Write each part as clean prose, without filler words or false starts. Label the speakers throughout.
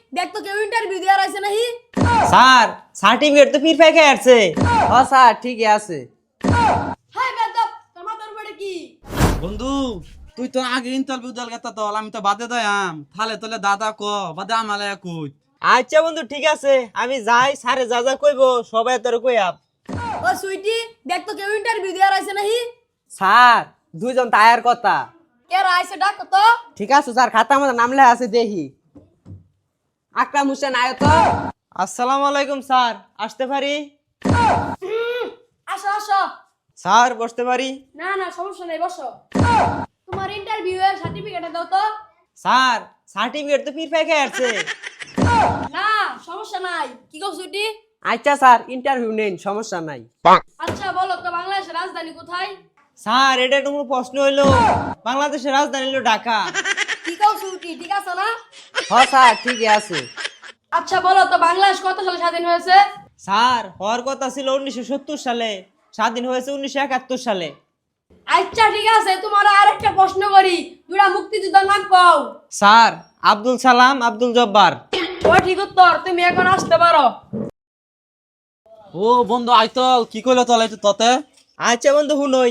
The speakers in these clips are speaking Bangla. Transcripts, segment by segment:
Speaker 1: দেখ তো কেউ ইন্টারভিউ দেওয়ার আছে নাহি।
Speaker 2: স্যার সার্টিফিকেট তো ফিরফাই খেয়ে আসছে।
Speaker 3: ও স্যার ঠিকই আছে।
Speaker 1: হাই বেদব, তোর মাথার উপরে কি?
Speaker 4: বন্ধু তুই তো আগে ইন্টারভিউ দল গেতা তো আমি তো বাদে দয়াম থালে তোলে দাদা ক বাদে আমালে কই।
Speaker 2: আচ্ছা বন্ধু ঠিক আছে, আমি যাই, স্যারে যা যা কইবো সবাই তোর কইয়াব।
Speaker 1: ও সুইটি, দেখ তো কেউ ইন্টারভিউ দেওয়ার আছে নাহি।
Speaker 3: স্যার দুইজন তায়ার কথা।
Speaker 1: কে আইছে ডাক তো।
Speaker 3: ঠিক আছে স্যার, খাতার মধ্যে নাম লেখা আছে দেখি। আকরাম হোসেন আয় তো।
Speaker 2: আসসালামু আলাইকুম স্যার, আসতে পারি?
Speaker 1: আসো আসো।
Speaker 2: স্যার বসতে পারি?
Speaker 1: না না সমস্যা নাই, বসো। তোমার ইন্টারভিউ এর সার্টিফিকেট দাও তো।
Speaker 2: স্যার সার্টিফিকেট তো ফিরফাই খেয়ে আসছে।
Speaker 1: না সমস্যা নাই, কি কও সুইটি?
Speaker 3: আচ্ছা স্যার ইন্টারভিউ নেন, সমস্যা নাই।
Speaker 1: আচ্ছা বলো তো বাংলাদেশের রাজধানী কোথায়?
Speaker 2: স্যার এটা কোনো প্রশ্ন হইলো? বাংলাদেশের রাজধানী হলো ঢাকা।
Speaker 1: কি কও সুইটি, ঠিক আছে না?
Speaker 3: হ স্যার ঠিকই আছে।
Speaker 1: আচ্ছা বলো তো বাংলাদেশ কত সালে স্বাধীন হয়েছে?
Speaker 2: স্যার হওয়ার কথা ছিল 1970 সালে, স্বাধীন হয়েছে 1971 সালে।
Speaker 1: আচ্ছা ঠিক আছে, তোমার আরেকটা প্রশ্ন করি, দুটা মুক্তিযোদ্ধার নাম কও।
Speaker 2: স্যার আব্দুল সালাম, আব্দুল জব্বার।
Speaker 1: ও ঠিক উত্তর, তুমি এখন আসতে পারো।
Speaker 4: ও বন্ধু আইতল কি কইলো তলে ততে
Speaker 2: আচ্ছা বন্ধু হুনই,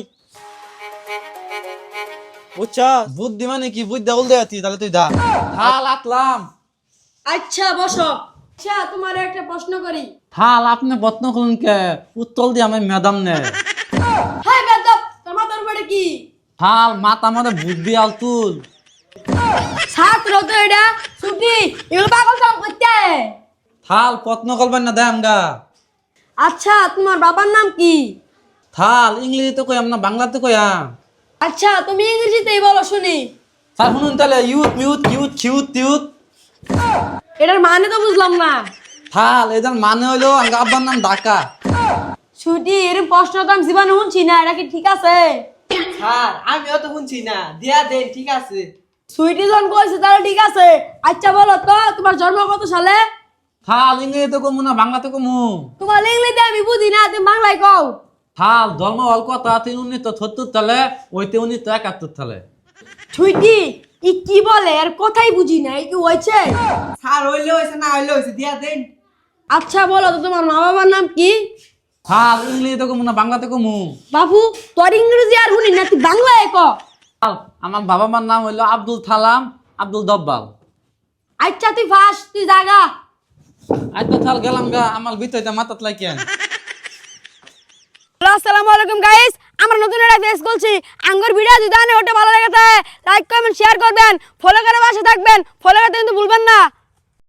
Speaker 2: বুঝছ?
Speaker 4: বুদ্ধি মানে কি বুদ্ধি উল দেয়াতি তাহলে তুই দা হাল আতলাম।
Speaker 1: আচ্ছা বসো। আচ্ছা তোমার একটা প্রশ্ন করি।
Speaker 4: হাল আপনি বত্ন করুন কে উত্তল দিয়ে আমি ম্যাডাম নে।
Speaker 1: হাই বেদব, তোর মাথার উপরে কি?
Speaker 4: হাল মাথা আমাদের বুদ্ধি আল তুল।
Speaker 1: ছাত্র তো এটা ছুটি, এগুলো পাগল সব করতে।
Speaker 4: থাল পত্ন করবেন না দেয় আমগা।
Speaker 1: আচ্ছা তোমার বাবার নাম কি?
Speaker 4: থাল ইংরেজিতে কইয়াম না বাংলাতে কইয়াম।
Speaker 1: আচ্ছা তুমি ইংরেজিতেই বলো শুনি।
Speaker 4: স্যার শুনুন তাহলে ইউথ মিউথ কিউট কিউট তিউত।
Speaker 1: এটার মানে তো বুঝলাম না।
Speaker 4: থাল এদের মানে হইলো আমগা আব্বার নাম ঢাকা।
Speaker 1: ছুটি এরকম প্রশ্ন তো আমি জীবনে শুনছি না, এটা কি ঠিক আছে?
Speaker 3: স্যার আমিও তো শুনছি না, দিয়া দেন ঠিক আছে।
Speaker 1: সুইটি জন কইছে তাহলে ঠিক আছে। আচ্ছা বলো তো তোমার জন্ম কত সালে?
Speaker 4: থাল ইংরেজিতে কমু না বাংলাতে কমু?
Speaker 1: তোমার ইংলিশে আমি বুঝি না, তুমি বাংলায় কও।
Speaker 4: থাল ধর্ম অল্প কথা 1973 সালে ওইতে 1971 সালে।
Speaker 1: ছুটি ই কি বলে আর কথাই বুঝি না, এই কি হয়েছে?
Speaker 3: স্যার হইলে হইছে, না হইলে হইছে, দিয়া দেন।
Speaker 1: আচ্ছা বলো তো তোমার মা বাবার নাম কি?
Speaker 4: থাল ইংরেজিতে কমু না বাংলাতে কমু?
Speaker 1: বাবু তোর ইংরেজি আর শুনি না, তুই বাংলায় ক।
Speaker 4: থাল আমার বাবা মার নাম হইলো আব্দুল সালাম, আব্দুল দব্বাল।
Speaker 1: আচ্ছা তুই ফাস, তুই জাগা।
Speaker 4: আচ্ছা থাল গেলাম গা, আমার ভিতরে মাথাত লাইকেন।
Speaker 1: হ্যালো আসসালামু আলাইকুম গাইস, আমরা নতুন একটা ফেস করছি। আঙ্গুর ভিডিও যদি ওটা ভালো লাগে লাইক কমেন্ট শেয়ার করবেন, ফলো করে পাশে থাকবেন, ফলো করতে কিন্তু ভুলবেন না।